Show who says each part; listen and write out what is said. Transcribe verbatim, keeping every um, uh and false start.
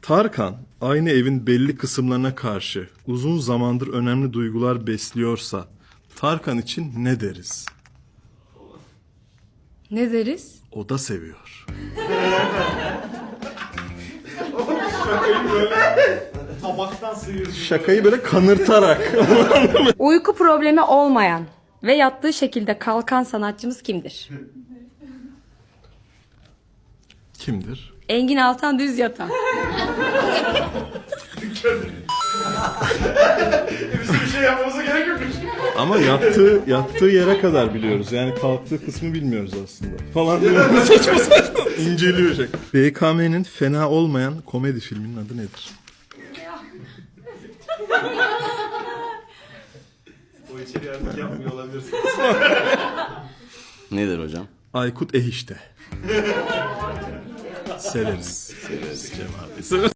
Speaker 1: Tarkan aynı evin belli kısımlarına karşı uzun zamandır önemli duygular besliyorsa Tarkan için ne deriz?
Speaker 2: Ne deriz?
Speaker 1: O da seviyor.
Speaker 3: Tabaktan sıyırdı.
Speaker 1: Şakayı böyle kanırtarak.
Speaker 2: Uyku problemi olmayan ve yattığı şekilde kalkan sanatçımız kimdir?
Speaker 1: Kimdir?
Speaker 2: Engin Altan Düz Yatan.
Speaker 3: Bizim bir şey yapmamıza gerek yok.
Speaker 1: Ama yattığı yattığı yere kadar biliyoruz. Yani kalktığı kısmı bilmiyoruz aslında. Falan diyor. Saçma saçma. İnceliyor şey. B K M'nin fena olmayan komedi filminin adı nedir?
Speaker 3: O içeri artık yapmıyor olabilirsiniz.
Speaker 4: Nedir hocam?
Speaker 1: Aykut Eh işte. Severiz. Severiz Cem abi. Severiz.